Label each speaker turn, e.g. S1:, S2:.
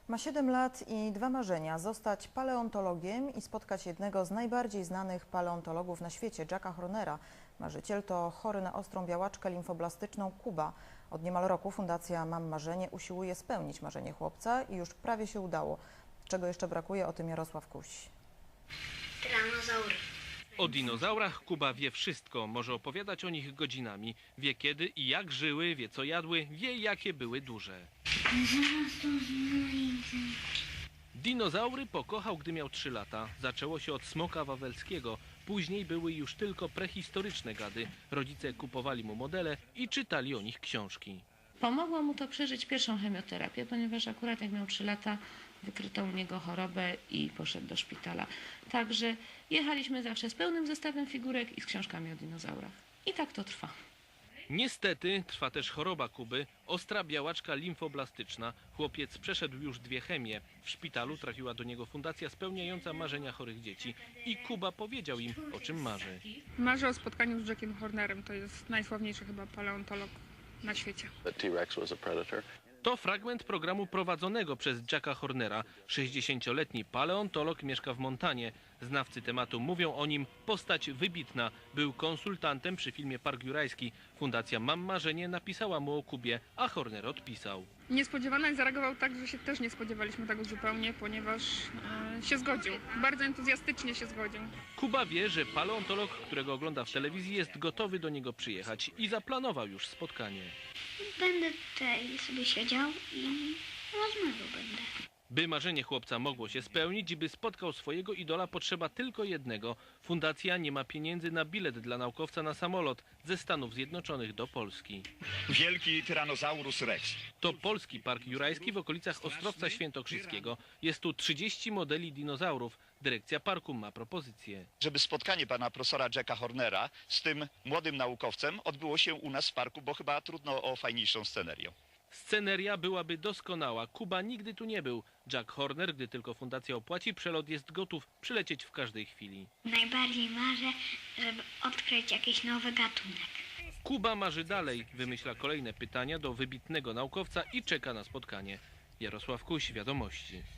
S1: Ma 7 lat i 2 marzenia: zostać paleontologiem i spotkać jednego z najbardziej znanych paleontologów na świecie, Jacka Hornera. Marzyciel to chory na ostrą białaczkę limfoblastyczną Kuba. Od niemal roku Fundacja Mam Marzenie usiłuje spełnić marzenie chłopca i już prawie się udało. Czego jeszcze brakuje, o tym Jarosław Kuś.
S2: Tyranozaury.
S3: O dinozaurach Kuba wie wszystko, może opowiadać o nich godzinami. Wie kiedy i jak żyły, wie co jadły, wie jakie były duże.
S2: Zaraz to znajdę.
S3: Dinozaury pokochał, gdy miał 3 lata. Zaczęło się od smoka wawelskiego. Później były już tylko prehistoryczne gady. Rodzice kupowali mu modele i czytali o nich książki.
S4: Pomogło mu to przeżyć pierwszą chemioterapię, ponieważ akurat jak miał 3 lata, wykryto u niego chorobę i poszedł do szpitala. Także jechaliśmy zawsze z pełnym zestawem figurek i z książkami o dinozaurach. I tak to trwa.
S3: Niestety trwa też choroba Kuby, ostra białaczka limfoblastyczna. Chłopiec przeszedł już 2 chemie. W szpitalu trafiła do niego fundacja spełniająca marzenia chorych dzieci. I Kuba powiedział im, o czym marzy.
S5: Marzę o spotkaniu z Jackiem Hornerem. To jest najsławniejszy chyba paleontolog na świecie.
S6: The T-Rex was a predator.
S3: To fragment programu prowadzonego przez Jacka Hornera. 60-letni paleontolog mieszka w Montanie. Znawcy tematu mówią o nim: postać wybitna. Był konsultantem przy filmie Park Jurajski. Fundacja Mam Marzenie napisała mu o Kubie, a Horner odpisał.
S5: Niespodziewanie i zareagował tak, że się też nie spodziewaliśmy tego zupełnie, ponieważ się zgodził. Bardzo entuzjastycznie się zgodził.
S3: Kuba wie, że paleontolog, którego ogląda w telewizji, jest gotowy do niego przyjechać i zaplanował już spotkanie.
S2: Będę tutaj sobie siedział i rozmawiał będę.
S3: By marzenie chłopca mogło się spełnić i by spotkał swojego idola, potrzeba tylko jednego. Fundacja nie ma pieniędzy na bilet dla naukowca na samolot ze Stanów Zjednoczonych do Polski.
S7: Wielki Tyrannosaurus Rex.
S3: To polski Park Jurajski w okolicach Ostrowca Świętokrzyskiego. Jest tu 30 modeli dinozaurów. Dyrekcja parku ma propozycję.
S7: Żeby spotkanie pana profesora Jacka Hornera z tym młodym naukowcem odbyło się u nas w parku, bo chyba trudno o fajniejszą scenerię.
S3: Sceneria byłaby doskonała. Kuba nigdy tu nie był. Jack Horner, gdy tylko fundacja opłaci, przelot jest gotów przylecieć w każdej chwili.
S2: Najbardziej marzę, żeby odkryć jakiś nowy gatunek.
S3: Kuba marzy dalej, wymyśla kolejne pytania do wybitnego naukowca i czeka na spotkanie. Jarosław Kuś, Wiadomości.